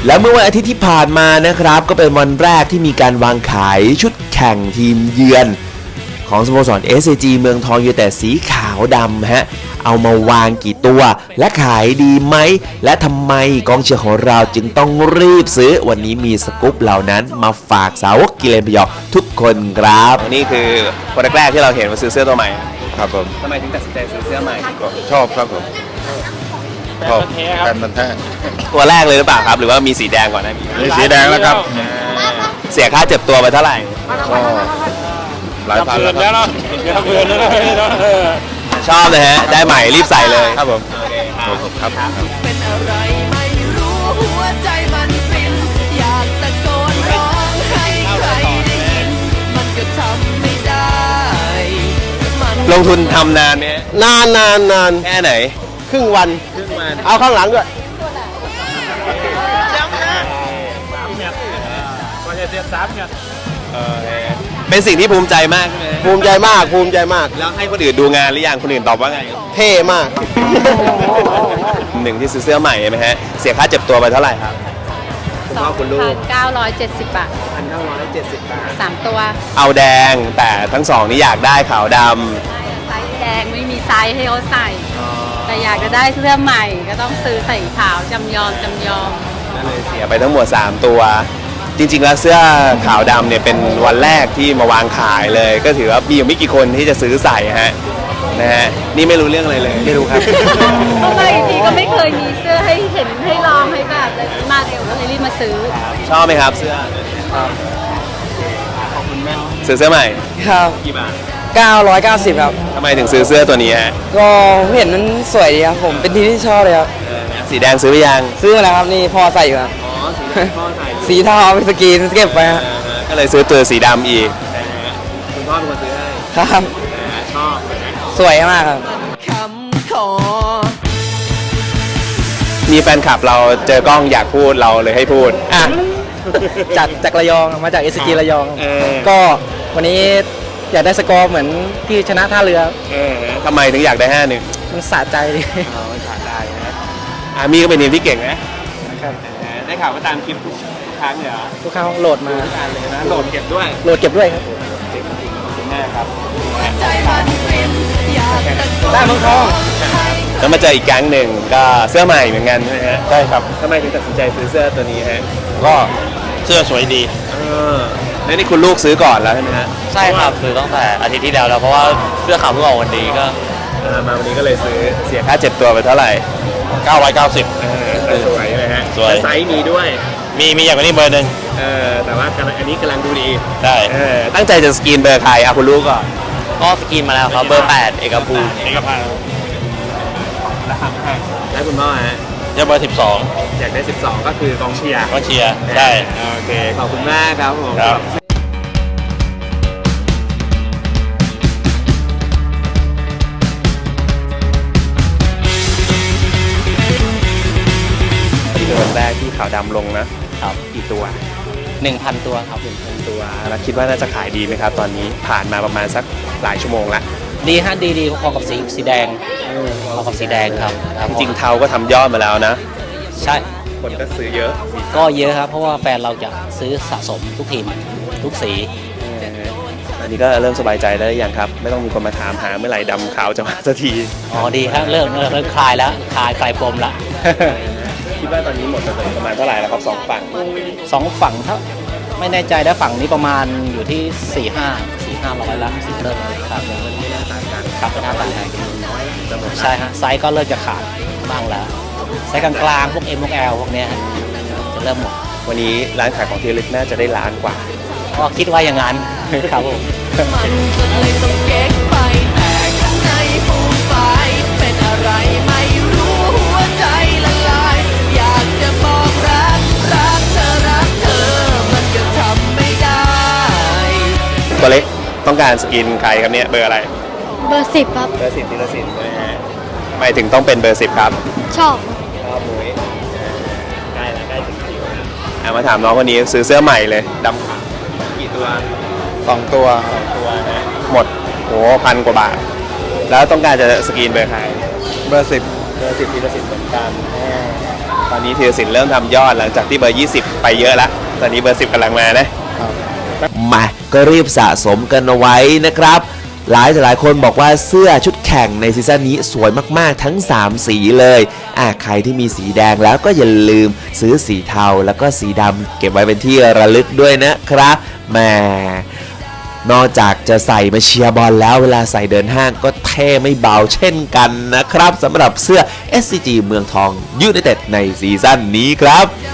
และเมื่อวันอาทิตย์ที่ผ่านมานะครับก็เป็นวันแรกที่มีการวางขายชุดแข่งทีมเยือนของสโมสร SCG เมืองทองยูไนเต็ดสีขาวดำฮะเอามาวางกี่ตัวและขายดีไหมและทำไมกองเชียร์ของเราจึงต้องรีบซื้อวันนี้มีสกู๊ปเหล่านั้นมาฝากสาวกกิเลนพยองทุกคนครับนี่คือคนแรกที่เราเห็นว่าซื้อเสื้อตัวใหม่ครับผมทำไมถึงตัดสินใจซื้อเสื้อใหม่ชอบครับผมชอบแฟนมันแท้ตัวแรกเลยหรือเปล่าครับหรือว่ามีสีแดงก่อนนะมีสีแดงแล้วครับเสียค่าเจ็บตัวไปเท่าไหร่ก็หลายพันแล้วครับชอบเลยฮะได้ใหม่รีบใส่เลยครับผมครับเป็นอะไรไม่รู้หัวใจมันฟินอยากตะโกนร้องให้ใครได้ยินมันก็ทำไม่ได้ลงทุนทำนานไหมนานแค่ไหนครึ่งวันเอาข้างหลังด้วยเป็นสิ่งที่ภูมิใจมากใช่ไหมภูมิใจมากแล้วให้คนอื่นดูงานหรือยังคนอื่นตอบว่าไงเท่มากหนึ่งที่ซื้อเสื้อใหม่ไหมฮะเสียค่าเจ็บตัวไปเท่าไหร่ครับ 2,970 บาท3 ตัวเอาแดงแต่ทั้งสองนี่อยากได้ขาวดำไซส์แดงไม่มีไซส์ให้เขาใส่แต่อยากจะได้เสื้อใหม่ก็ต้องซื้อใส่ขาวจำยอมก็เลยเสียไปทั้งหมด3ตัวจริงๆแล้วเสื้อขาวดำเนี่ยเป็นวันแรกที่มาวางขายเลยก็ถือว่ามีอยู่ไม่กี่คนที่จะซื้อใส่ฮะนะฮะนี่ไม่รู้เรื่องอะไรเลยไม่รู้ครับเข้ามาอีกทีก็ไม่เคยมีเสื้อให้เห็นให้ลองให้แบบเลยมาเร็วก็เลยรีบมาซื้อชอบไหมครับเสื้อครับขอบคุณแม่ซื้อเสื้อใหม่ครับกี่บาท 990ครับทำไมถึงซื้อเสื้อตัวนี้ฮะก็เห็นมันสวยดีครับผมเป็นทีที่ชอบเลยครับสีแดงซื้อไปยังซื้อมาแล้วครับนี่พอใส่อยู่ครับพ่อใส่สีเทาเอาไปสกรีนเก็บไปก็เลยซื้อตัวสีดำอีกคุณพ่อเป็นคนซื้อให้ครับชอบสวยมากครับคำขอมีแฟนคลับเราเจอกล้องอยากพูดเราเลยให้พูดอ่ะจากระยองมาจาก SCG ระยองก็วันนี้อยากได้สกอร์เหมือนที่ชนะท่าเรือทำไมถึงอยากได้5-1 มันสะใจดิมันสะใจนะมีก็เป็นทีมที่เก่งนะครับได้ข่าวว่าตามคลิปทุกครั้งเหรอทุกครั้งโหลดมาเลยนะโหลดเก็บด้วยครับแม่ครับได้เมืองทองแล้วมาเจออีกแก๊งหนึ่งก็เสื้อใหม่เหมือนกันใช่ไหมฮะใช่ครับทำไมถึงตัดสินใจซื้อเสื้อตัวนี้ฮะก็เสื้อสวยดีแล้วนี่คุณลูกซื้อก่อนแล้วใช่ไหมฮะใช่ครับซื้อตั้งแต่อาทิตย์ที่แล้วเพราะว่าเสื้อขาวเพิ่งออกวันนี้ก็มาวันนี้ก็เลยซื้อเสียค่าเจ็บตัวไปเท่าไหร่ 990 สวยเลยฮะสวยไซส์มีด้วยมีอย่างนี้เบอร์หนึ่งแต่ว่าอันนี้กำลังดูดีได้ตั้งใจจะสกรีนเบอร์ใครคุณลูกก่อนก็สกรีนมาแล้วครับเบอร์8เอกภูมิแล้วคุณพ่อฮะจะเบอร์12 อยากได้12ก็คือกองเชียร์ใช่โอเคขอบคุณมากครับผมวันแรกที่ขาวดำลงนะครับกี่ตัว 1,000 ตัวครับ 1,000 ตัวแล้วคิดว่าน่าจะขายดีไหมครับตอนนี้ผ่านมาประมาณสักหลายชั่วโมงละดีฮะดีพอกับสีแดงพอกับสีแดงครับจริงๆเทาก็ทำยอดมาแล้วนะใช่คนก็ซื้อเยอะก็เยอะครับเพราะว่าแฟนเราจะซื้อสะสมทุกทีมทุกสีอันนี้ก็เริ่มสบายใจได้อย่างครับไม่ต้องมีคนมาถามหาเมื่อไหร่ดำขาวจะมาสักทีดีครับเริ่มคลายแล้วคลายปมละคิดว่าตอนนี้หมดไปประมาณเท่าไหร่แล้วครับ2 ฝั่งถ้าไม่แน่ใจนะฝั่งนี้ประมาณอยู่ที่4-500ละเริ่มครับไม่น่าต่างกันครับไม่น่าต่างกันใช่ฮะไซส์ก็เริ่มจะขาดบ้างแล้วไซส์กลางๆพวก M พวก L พวกเนี้ยจะเริ่มหมดวันนี้ร้านขายของที่ระลึกน่าจะได้ล้านกว่าก็คิดว่าอย่างนั้นครับผมมันก็เลยต้องเก๊กไปแต่ข้างในฟูมไฟเป็นอะไรไม่รู้หัวใจละลายอยากจะบอกรักเธอมันก็ทำไม่ได้ตัวเล็กต้องการสกินใครครับเนี่ยเบอร์อะไรเบอร์10ครับเบอร์10ธีรศิลป์นะฮะทำไมถึงต้องเป็นเบอร์10ครับชอบมุ้ยใกล้ถึงคิวมาถามน้องคนนี้ซื้อเสื้อใหม่เลยดำขาวกี่ตัว 2 ตัวนะหมด1,000 กว่าบาทแล้วต้องการจะสกรีนเบอร์ใครเบอร์10 ธีรศิลป์เหมือนกันตอนนี้ธีรศิลป์เริ่มทำยอดหลังจากที่เบอร์ 20 ไปเยอะแล้วตอนนี้เบอร์ 10กำลังมานะมาก็รีบสะสมกันเอาไว้นะครับหลายคนบอกว่าเสื้อชุดแข่งในซีซั่นนี้สวยมากๆทั้ง3สีเลยใครที่มีสีแดงแล้วก็อย่าลืมซื้อสีเทาแล้วก็สีดำเก็บไว้เป็นที่ระลึกด้วยนะครับแหมนอกจากจะใส่มาเชียร์บอลแล้วเวลาใส่เดินห้างก็เท่ไม่เบาเช่นกันนะครับสำหรับเสื้อ SCG เมืองทองยูไนเต็ดในซีซั่นนี้ครับ